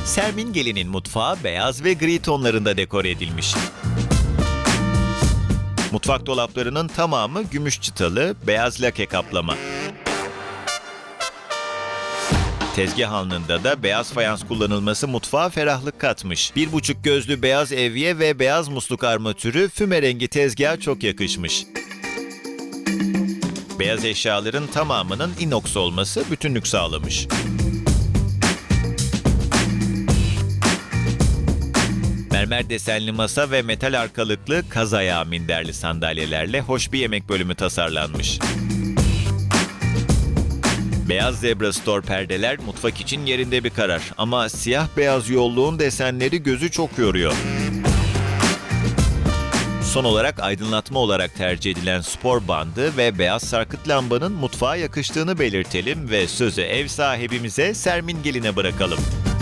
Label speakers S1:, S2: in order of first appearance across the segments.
S1: Sermin Gelin'in mutfağı beyaz ve gri tonlarında dekore edilmiş. Mutfak dolaplarının tamamı gümüş çıtalı, beyaz lake kaplama. Tezgah alnında da beyaz fayans kullanılması mutfağa ferahlık katmış. 1,5 gözlü beyaz evye ve beyaz musluk armatürü füme rengi tezgaha çok yakışmış. Beyaz eşyaların tamamının inox olması bütünlük sağlamış. Mermer desenli masa ve metal arkalıklı kaz ayağı minderli sandalyelerle hoş bir yemek bölümü tasarlanmış. Beyaz Zebra Store perdeler mutfak için yerinde bir karar ama siyah beyaz yolluğun desenleri gözü çok yoruyor. Son olarak aydınlatma olarak tercih edilen spor bandı ve beyaz sarkıt lambanın mutfağa yakıştığını belirtelim ve sözü ev sahibimize Sermin Gelin'e bırakalım.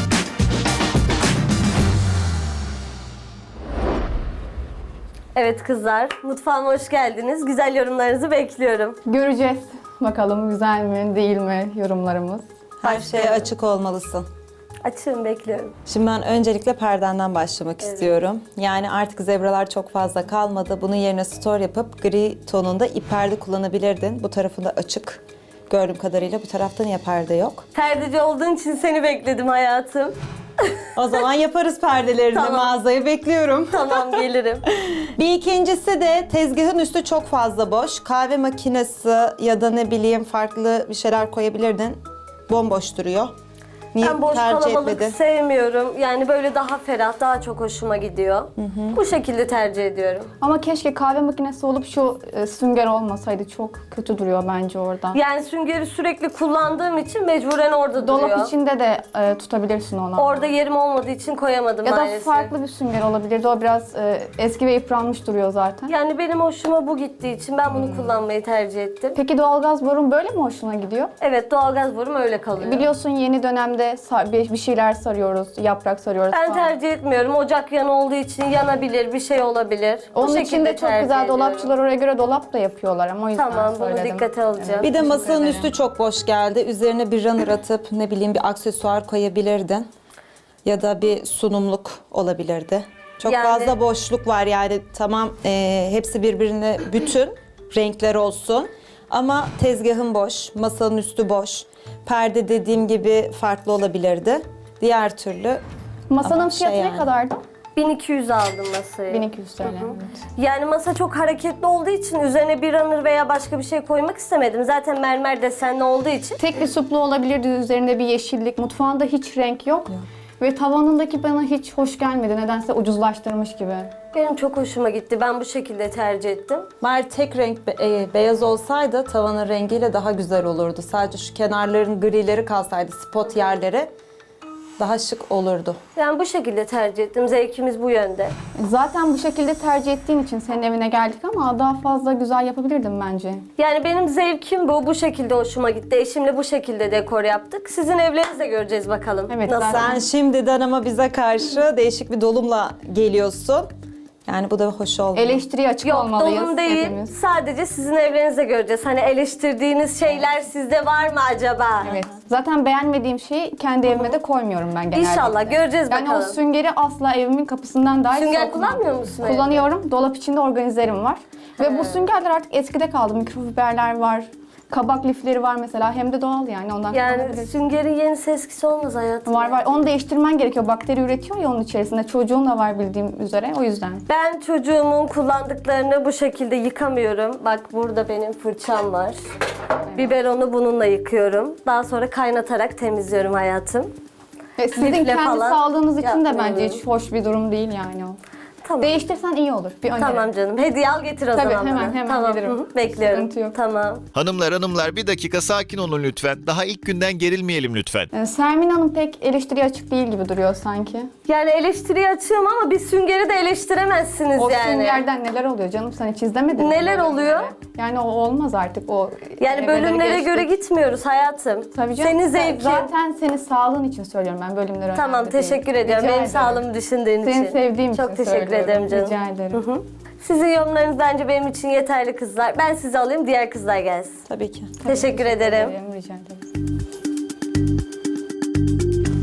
S2: Evet kızlar, mutfağıma hoş geldiniz. Güzel yorumlarınızı bekliyorum.
S3: Göreceğiz. Bakalım güzel mi, değil mi yorumlarımız.
S4: Her şeye açık olmalısın.
S2: Açığım, bekliyorum.
S4: Şimdi ben öncelikle perdenden başlamak istiyorum. Yani artık zebralar çok fazla kalmadı. Bunun yerine store yapıp gri tonunda ip perde kullanabilirdin. Bu tarafında açık. Gördüğüm kadarıyla bu tarafta niye perde yok?
S2: Perdeci olduğun için seni bekledim hayatım.
S4: O zaman yaparız perdelerini.
S2: Tamam.
S4: Mağazayı bekliyorum.
S2: Tamam, gelirim.
S4: Bir ikincisi de tezgahın üstü çok fazla boş. Kahve makinesi ya da ne bileyim farklı bir şeyler koyabilirdin. Bomboş duruyor. Niye
S2: Ben boş
S4: tercih
S2: kalabalık
S4: etmedin?
S2: sevmiyorum. Yani böyle daha ferah, daha çok hoşuma gidiyor. Bu şekilde tercih ediyorum.
S3: Ama keşke kahve makinesi olup şu sünger olmasaydı. Çok kötü duruyor bence orada.
S2: Yani süngeri sürekli kullandığım için mecburen orada duruyor.
S3: Dolap içinde de tutabilirsin onu.
S2: Orada yerim olmadığı için koyamadım
S3: ya da
S2: maalesef.
S3: farklı bir sünger olabilirdi. O biraz eski ve yıpranmış duruyor zaten.
S2: Yani benim hoşuma bu gittiği için ben bunu kullanmayı tercih ettim.
S3: Peki doğalgaz borun böyle mi hoşuna gidiyor?
S2: Evet, doğalgaz borum öyle kalıyor.
S3: Biliyorsun yeni dönemde bir şeyler sarıyoruz, yaprak sarıyoruz
S2: Ben
S3: falan.
S2: tercih etmiyorum. Ocak yanı olduğu için yanabilir, bir şey olabilir. Bu
S3: Onun için
S2: şekilde
S3: de çok
S2: tercih
S3: güzel
S2: ediyorum.
S3: dolapçılar oraya göre dolap da yapıyorlar ama o yüzden
S2: Tamam, bunu
S3: söyledim.
S2: dikkate alacağım.
S4: Bir de masanın
S3: Teşekkür ederim.
S4: üstü çok boş geldi. Üzerine bir runner atıp ne bileyim bir aksesuar koyabilirdin. Ya da bir sunumluk olabilirdi. Çok
S2: Yani-
S4: fazla boşluk var yani tamam hepsi birbirine bütün renkler olsun. Ama tezgahın boş, masanın üstü boş. Perde dediğim gibi farklı olabilirdi. Diğer türlü
S3: Masanın
S4: ama
S3: fiyatı ne
S4: yani.
S3: kadardı?
S2: 1200 aldım masayı.
S3: 1200 TL. Evet.
S2: Yani masa çok hareketli olduğu için üzerine bir runner veya başka bir şey koymak istemedim. Zaten mermer desenli olduğu için.
S3: Tek bir suplu olabilirdi, üzerinde bir yeşillik. Mutfağında hiç renk yok. Ve tavanındaki bana hiç hoş gelmedi. Nedense ucuzlaştırmış gibi.
S2: Benim çok hoşuma gitti. Ben bu şekilde tercih ettim.
S4: Bari tek renk beyaz olsaydı tavanın rengiyle daha güzel olurdu. Sadece şu kenarların grileri kalsaydı, spot yerleri daha şık olurdu.
S2: Yani bu şekilde tercih ettim. Zevkimiz bu yönde.
S3: Zaten bu şekilde tercih ettiğin için senin evine geldik ama daha fazla güzel yapabilirdim bence.
S2: Yani benim zevkim bu. Bu şekilde hoşuma gitti. Eşimle bu şekilde dekor yaptık. Sizin evlerinizi de göreceğiz bakalım.
S3: Evet,
S2: Nasıl?
S3: zaten-
S4: Sen şimdiden ama bize karşı değişik bir dolumla geliyorsun. Yani bu da hoş oldu.
S3: Eleştiriye açık
S2: Yok,
S3: olmalıyız
S2: dolum değil.
S3: hepimiz.
S2: Sadece sizin evlerinizde göreceğiz. Hani eleştirdiğiniz şeyler sizde var mı acaba?
S3: Evet. Zaten beğenmediğim şeyi kendi evime de koymuyorum ben genelde.
S2: İnşallah göreceğiz
S3: Yani
S2: bakalım.
S3: o süngeri asla evimin kapısından dahi
S2: Sünger
S3: sokmam.
S2: kullanmıyor musun evde?
S3: Kullanıyorum. Dolap içinde organizerim var. Ve bu süngerler artık eskide kaldı. Mikrofiberler var. Kabak lifleri var mesela. Hem de doğal yani ondan
S2: Yani
S3: kullanabilirsin.
S2: süngerin yenisi eskisi olmaz hayatım.
S3: Var var. Onu değiştirmen gerekiyor. Bakteri üretiyor ya onun içerisinde. Çocuğun da var bildiğim üzere. O yüzden.
S2: Ben çocuğumun kullandıklarını bu şekilde yıkamıyorum. Bak burada benim fırçam var. Biberonu bununla yıkıyorum. Daha sonra kaynatarak temizliyorum hayatım.
S3: Ve sizin
S2: Lifle
S3: kendi
S2: falan
S3: sağlığınız için de bence
S2: yapmıyorum.
S3: hiç hoş bir durum değil yani o.
S2: Tamam.
S3: Değiştirsen iyi olur. Bir öneri.
S2: Tamam canım. Hediye al getir o
S3: Tabii,
S2: zaman
S3: hemen,
S2: bana.
S3: hemen
S2: tamam.
S3: gelirim.
S2: Hı hı, bekliyorum.
S3: Sıkıntı yok.
S2: Tamam.
S1: Hanımlar bir dakika sakin olun lütfen. Daha ilk günden gerilmeyelim lütfen.
S3: Sermin Hanım pek eleştiriye açık değil gibi duruyor sanki.
S2: Yani eleştiriye açığım ama bir süngeri de eleştiremezsiniz
S3: O
S2: yani.
S3: süngerden neler oluyor canım, sen hiç izlemedin mi?
S2: Neler
S3: bölümleri?
S2: oluyor?
S3: Yani o olmaz artık o.
S2: Yani
S3: evreleri
S2: bölümlere
S3: geçtik.
S2: göre gitmiyoruz hayatım.
S3: Tabii canım.
S2: Senin zevkin.
S3: Zaten senin sağlığın için söylüyorum ben bölümleri
S2: Tamam,
S3: önemli değil.
S2: teşekkür ediyorum.
S3: Rica
S2: Benim
S3: ederim.
S2: sağlığımı düşündüğün için.
S3: Seni sevdiğim
S2: Çok
S3: için
S2: teşekkür
S3: söylüyorum.
S2: ederim canım.
S3: Rica ederim.
S2: Hı hı. Sizin yorumlarınız bence benim için yeterli kızlar. Ben sizi alayım, diğer kızlar gelsin.
S4: Tabii ki.
S2: Teşekkür ederim.
S3: Rica ederim.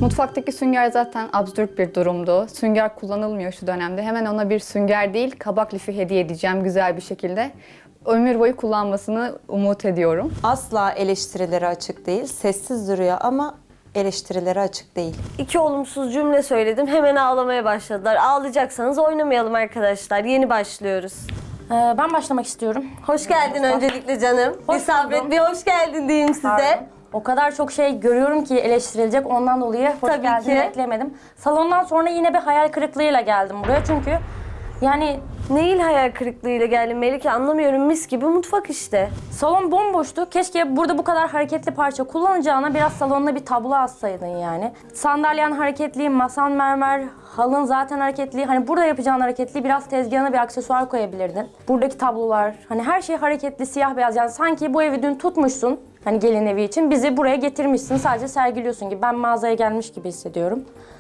S3: Mutfaktaki sünger zaten absürt bir durumdu. Sünger kullanılmıyor şu dönemde. Hemen ona bir sünger değil, kabak lifi hediye edeceğim güzel bir şekilde. Ömür boyu kullanmasını umut ediyorum.
S4: Asla eleştirilere açık değil. Sessiz duruyor ama eleştirilere açık değil.
S2: 2 olumsuz cümle söyledim. Hemen ağlamaya başladılar. Ağlayacaksanız oynamayalım arkadaşlar. Yeni başlıyoruz.
S5: Ben başlamak istiyorum.
S2: Hoş geldin öncelikle canım.
S5: Hoş
S2: Bir sabret,
S5: buldum.
S2: bir hoş geldin diyeyim size.
S5: Pardon. O kadar çok şey görüyorum ki eleştirilecek, ondan dolayı hoş
S2: Tabii
S5: geldin
S2: ki.
S5: beklemedim. Salondan sonra yine bir hayal kırıklığıyla geldim buraya çünkü yani
S2: Neyin hayal kırıklığıyla geldin Melike, anlamıyorum, mis gibi mutfak işte.
S5: salon bomboştu. Keşke burada bu kadar hareketli parça kullanacağına biraz salonuna bir tablo assaydın yani. Sandalyen hareketli, masan mermer, halın zaten hareketli. Hani burada yapacağın hareketli, biraz tezgahına bir aksesuar koyabilirdin. Buradaki tablolar, hani her şey hareketli, siyah beyaz. Yani sanki bu evi dün tutmuşsun. Hani gelin evi için bizi buraya getirmişsin, sadece sergiliyorsun gibi. Ben mağazaya gelmiş gibi hissediyorum.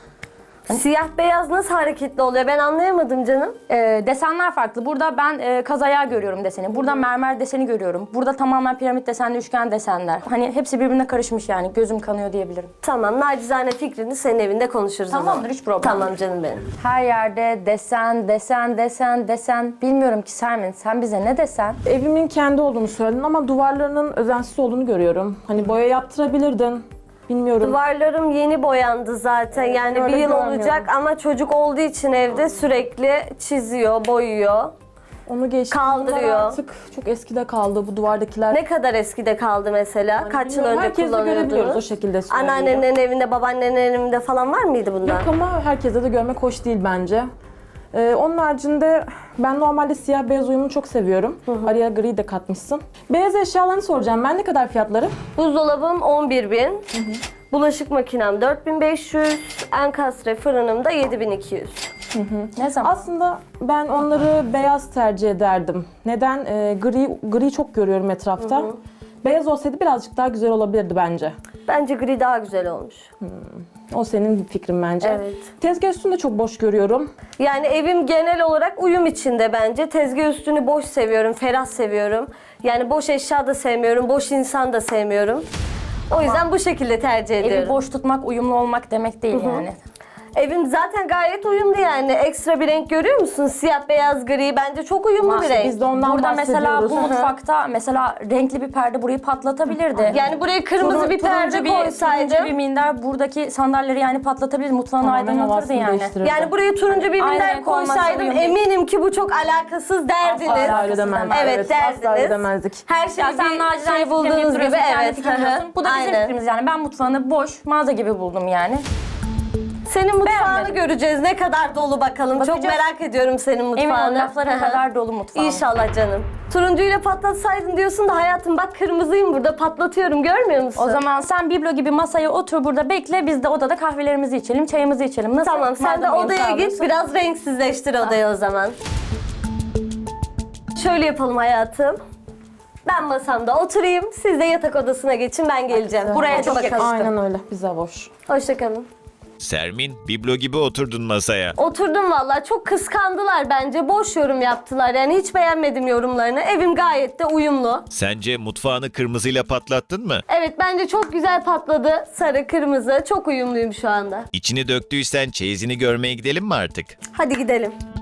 S2: Siyah beyaz nasıl hareketli oluyor, ben anlayamadım canım.
S5: Desenler farklı. Burada ben kaz ayağı görüyorum deseni. Burada mermer deseni görüyorum. Burada tamamen piramit desenli üçgen desenler. Hani hepsi birbirine karışmış yani. Gözüm kanıyor diyebilirim.
S2: Tamam, nacizane fikrini senin evinde konuşuruz o zaman.
S5: Tamamdır, hiç problem
S2: Tamam
S5: değil.
S2: canım benim.
S5: Her yerde desen, desen, desen, desen. Bilmiyorum ki Sermin, sen bize ne desen?
S6: Evimin kendi olduğunu söyledin ama duvarlarının özensiz olduğunu görüyorum. Hani boya yaptırabilirdin. Bilmiyorum.
S2: Duvarlarım yeni boyandı zaten, yani
S6: öyle
S2: bir yıl
S6: görmüyorum.
S2: olacak ama çocuk olduğu için evde sürekli çiziyor, boyuyor.
S6: Onu geçtim.
S2: Kaldırıyor.
S6: Bunlar artık çok eskide kaldı bu duvardakiler.
S2: Ne kadar eskide kaldı mesela? Kaç yıl
S6: Bilmiyorum,
S2: önce
S6: herkes de görebiliyoruz o
S2: kullanıyordunuz?
S6: şekilde söylüyor.
S2: Anneannenin evinde, babaannenin evinde falan var mıydı bundan?
S6: Yok ama herkese de görmek hoş değil bence. Onun haricinde ben normalde siyah beyaz uyumunu çok seviyorum. Araya gri de katmışsın. Beyaz eşyalarını soracağım. Ben ne kadar fiyatları?
S2: Buzdolabım 11.000, bulaşık makinem 4.500, enkastre fırınım da 7.200.
S5: Ne zaman?
S6: Aslında ben onları beyaz tercih ederdim. Neden? Gri çok görüyorum etrafta. Beyaz olsaydı birazcık daha güzel olabilirdi bence.
S2: Bence gri daha güzel olmuş.
S6: O senin fikrin bence.
S2: Evet.
S6: Tezgah üstünü de çok boş görüyorum.
S2: Yani evim genel olarak uyum içinde bence. Tezgah üstünü boş seviyorum, ferah seviyorum. Yani boş eşya da sevmiyorum, boş insan da sevmiyorum. O yüzden bu şekilde tercih ediyorum.
S5: Evi boş tutmak, uyumlu olmak demek değil yani.
S2: Evim zaten gayet uyumlu yani. Ekstra bir renk görüyor musun? Siyah, beyaz, gri. Bence çok uyumlu bir renk.
S6: Biz de ondan
S5: Burada mesela
S6: bahsediyoruz.
S5: bu mutfakta mesela renkli bir perde burayı patlatabilirdi.
S2: Yani buraya kırmızı bir perde koysaydım.
S5: Turuncu bir minder buradaki sandalyeleri yani patlatabilir, mutfağını
S6: Tamamen
S5: aydınlatırdı
S6: havasını
S5: yani.
S6: değiştirirdi.
S2: Yani buraya turuncu bir
S5: Aynen,
S2: minder
S5: renk olması
S2: koysaydım
S5: uyum değil.
S2: eminim ki bu çok alakasız derdiniz.
S5: Asla
S6: öyle demezdik.
S2: Evet, derdiniz.
S6: Asla öyle demezdik.
S2: Her şey
S5: Ya sen
S2: bir
S5: nacizane
S2: şey bulduğunuz
S5: bulduğunuz
S2: gibi, evet.
S5: Bu da bizim
S2: Aynen.
S5: fikrimiz yani. Ben mutfağını boş, mağaza gibi buldum yani.
S2: Senin mutfağını
S5: Beğenmedim.
S2: göreceğiz. Ne kadar dolu bakalım. Çok
S5: Bakacağız.
S2: merak ediyorum senin mutfağını.
S5: Emin ol lafların kadar dolu mutfağım.
S2: İnşallah canım. Turuncuyla patlatsaydın diyorsun da hayatım bak kırmızıyım burada patlatıyorum, görmüyor musun?
S5: O zaman sen biblo gibi masaya otur burada bekle. Biz de odada kahvelerimizi içelim, çayımızı içelim. Nasıl?
S2: Tamam, sen de
S5: Madem uyum
S2: odaya git,
S5: sağlıyorsun.
S2: biraz renksizleştir odayı o zaman. Şöyle yapalım hayatım. Ben masamda oturayım, siz de yatak odasına geçin, ben geleceğim.
S5: Buraya
S2: Hadi
S5: çok
S2: bakalım.
S5: yakıştı.
S6: Aynen öyle. Bize boş.
S2: Hoşçakalın.
S1: Sermin, biblo gibi oturdun masaya.
S2: Oturdum vallahi, çok kıskandılar bence. Boş yorum yaptılar, yani hiç beğenmedim yorumlarını. Evim gayet de uyumlu.
S1: Sence mutfağını kırmızıyla patlattın mı?
S2: Evet, bence çok güzel patladı. Sarı, kırmızı. Çok uyumluyum şu anda.
S1: İçini döktüysen çeyizini görmeye gidelim mi artık?
S2: Hadi gidelim.